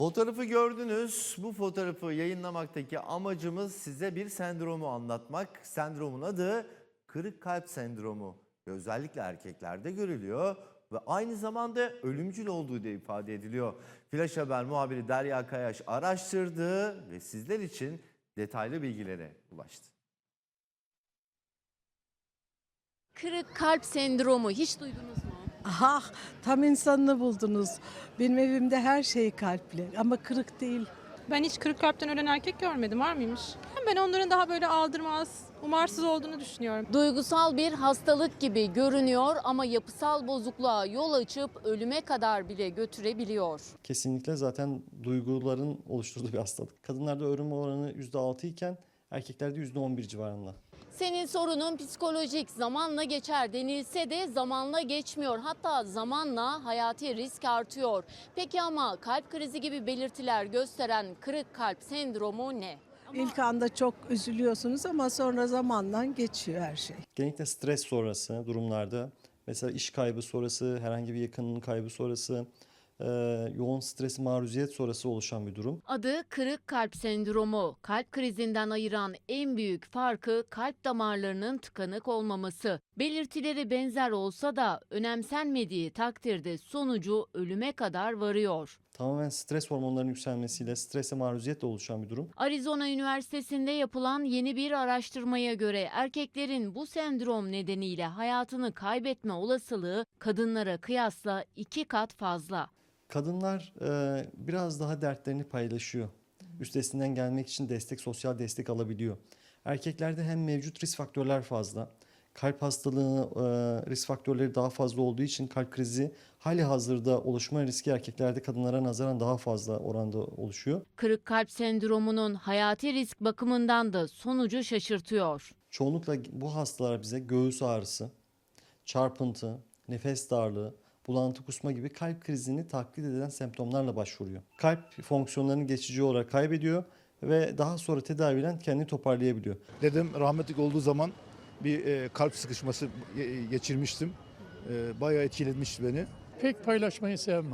Fotoğrafı gördünüz. Bu fotoğrafı yayınlamaktaki amacımız size bir sendromu anlatmak. Sendromun adı kırık kalp sendromu. Ve özellikle erkeklerde görülüyor ve aynı zamanda ölümcül olduğu da ifade ediliyor. Flash Haber muhabiri Derya Kayaş araştırdı ve sizler için detaylı bilgilere ulaştı. Kırık kalp sendromu hiç duydunuz mu? Ah, tam insanını buldunuz. Benim evimde her şey kalpli ama kırık değil. Ben hiç kırık kalpten ölen erkek görmedim. Var mıymış? Ben onların daha böyle aldırmaz, umarsız olduğunu düşünüyorum. Duygusal bir hastalık gibi görünüyor ama yapısal bozukluğa yol açıp ölüme kadar bile götürebiliyor. Kesinlikle zaten duyguların oluşturduğu bir hastalık. Kadınlarda ölüm oranı %6 iken erkeklerde %11 civarında. Senin sorunun psikolojik, zamanla geçer denilse de zamanla geçmiyor. Hatta zamanla hayati risk artıyor. Peki ama kalp krizi gibi belirtiler gösteren kırık kalp sendromu ne? İlk anda çok üzülüyorsunuz ama sonra zamanla geçiyor her şey. Genellikle stres sonrası durumlarda, mesela iş kaybı sonrası, herhangi bir yakınının kaybı sonrası, yoğun stres maruziyet sonrası oluşan bir durum. Adı kırık kalp sendromu. Kalp krizinden ayıran en büyük farkı kalp damarlarının tıkanık olmaması. Belirtileri benzer olsa da önemsenmediği takdirde sonucu ölüme kadar varıyor. Tamamen stres hormonlarının yükselmesiyle strese maruziyetle oluşan bir durum. Arizona Üniversitesi'nde yapılan yeni bir araştırmaya göre erkeklerin bu sendrom nedeniyle hayatını kaybetme olasılığı kadınlara kıyasla 2 kat fazla. Kadınlar biraz daha dertlerini paylaşıyor. Üstesinden gelmek için sosyal destek alabiliyor. Erkeklerde hem mevcut risk faktörler fazla. Kalp hastalığı risk faktörleri daha fazla olduğu için kalp krizi hali hazırda oluşma riski erkeklerde kadınlara nazaran daha fazla oranda oluşuyor. Kırık kalp sendromunun hayati risk bakımından da sonucu şaşırtıyor. Çoğunlukla bu hastalar bize göğüs ağrısı, çarpıntı, nefes darlığı, bulantı kusma gibi kalp krizini taklit eden semptomlarla başvuruyor. Kalp fonksiyonlarını geçici olarak kaybediyor ve daha sonra tedaviyle kendini toparlayabiliyor. Dedem rahmetli olduğu zaman bir kalp sıkışması geçirmiştim. Bayağı etkilemişti beni. Pek paylaşmayı sevmem.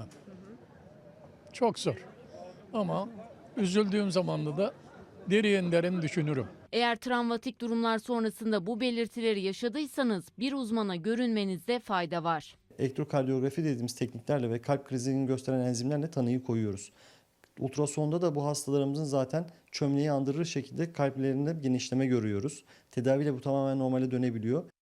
Çok zor. Ama üzüldüğüm zamanda da derin derin düşünürüm. Eğer travmatik durumlar sonrasında bu belirtileri yaşadıysanız bir uzmana görünmenizde fayda var. Elektrokardiyografi dediğimiz tekniklerle ve kalp krizini gösteren enzimlerle tanıyı koyuyoruz. Ultrasonda da bu hastalarımızın zaten çömleği andırır şekilde kalplerinde genişleme görüyoruz. Tedaviyle bu tamamen normale dönebiliyor.